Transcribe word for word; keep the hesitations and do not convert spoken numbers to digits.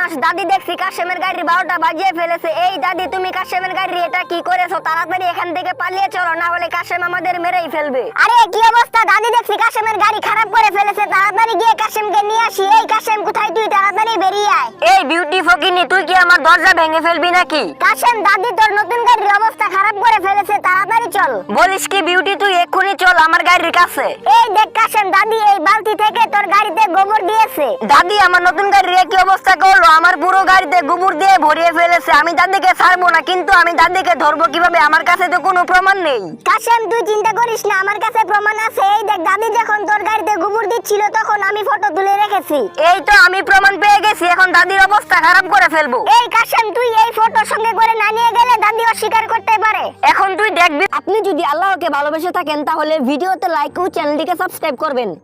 সর্বনাশ, দাদি দেখছি কাশেমের গাড়ির বারোটা বাজিয়ে ফেলেছে। এই দাদি, তুমি কাশেমের গাড়ি এটা কি করেছো? তাড়াতাড়ি এখান থেকে পালিয়ে চলো, না হলে কাশেম আমাদের মেরেই ফেলবে। আরে কি অবস্থা, দাদি দেখছি কাশেমের গাড়ি খারাপ করে ফেলেছে। তাড়াতাড়ি গিয়ে কাশেমকে নিয়ে আসি। এই কাশেম কোথায় তুই? তাড়াতাড়ি বেরিয়ে আয়। এই বিউটি ফকিনি, তুই কি আমার দরজা ভেঙে ফেলবি নাকি? কাশেম, দাদি তোর নতুন গাড়ির অবস্থা খারাপ করে ফেলেছে, তাড়াতাড়ি চল। বলিস কি বিউটি, তুই এক্ষুনি চল আমার গাড়ির কাছে। এই দেখ কাশেম, দাদি এই বালতি থেকে তোর গাড়িতে গোবর দিয়েছে। দাদি আমার নতুন গাড়ির কি অবস্থা করলো, আমার পুরো গাড়িতে গোবর দিয়ে ভরিয়ে ফেলেছে। আমি দাদিকে ছাড়বো না, কিন্তু আমি দাদিকে ধরবো কিভাবে? আমার কাছে তো কোনো প্রমাণ নেই। কাশেম তুই চিন্তা করিস না, আমার কাছে প্রমাণ আছে। এই দেখ, দাদি যখন তোর গাড়িতে গোবর দিচ্ছিল তখন আমি ফটো তুলে রেখেছি। এই তো আমি প্রমাণ পেয়ে গেছি, এখন দাদির অবস্থা খারাপ করে ফেলবো। এই কাশেম, তুই এই ফটো সঙ্গে করে না নিয়ে গেলে দাদি অস্বীকার করতে পারে। এখন তুই দেখবি। আপনি যদি আল্লাহকে ভালোবেসে থাকেন তাহলে ভিডিওতে লাইক ও চ্যানেলটিকে সাবস্ক্রাইব করবেন।